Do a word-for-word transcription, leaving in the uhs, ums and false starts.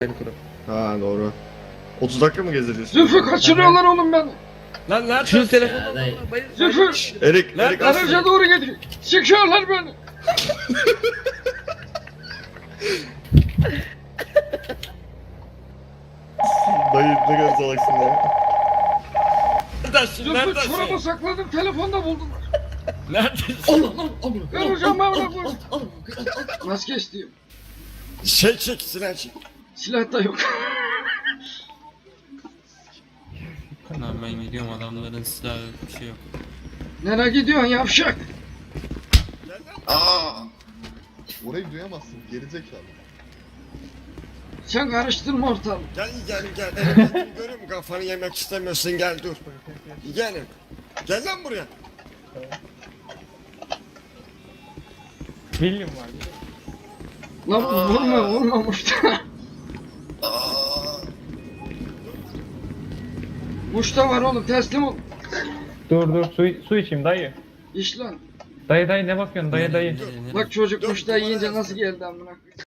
Ha doğru. otuz dakika mı gezeceğiz? Zülfü kaçırıyorlar oğlum beni. Lan nerede? Şu telefonu. Zülfü. Erik, Lan, Erik Garaja aslında. doğru gidiyor. Sıkıyorlar beni. Dayı ne kadar salaksın ya. Neredesin? Zülfü Neredesin? çorabı sakladım telefonda buldum. Neredesin? Allah Allah Allah. Göreceğim ben bunu. Maske istiyorum. Şey çek, silah çek. Silah da yok. Lan ben gidiyorum, adamların silahı yok, bir şey yok. Nereye gidiyorsun yavşak? Aa! Orayı duyamazsın gerizekalı. Sen karıştırma ortalığı. Gel gel gel. Elimi görüyorum, kafanı yemek istemiyorsun, gel dur. Gel. Gel lan buraya. William var. Lan vurma vurma Muşta. Muşta var oğlum teslim ol. Dur dur su, su içeyim dayı. İş lan. Dayı dayı ne bakıyorsun dayı dayı. Nereye, nereye? Bak çocuk Dur, Muşta dur, yiyince bana nasıl geldi amına.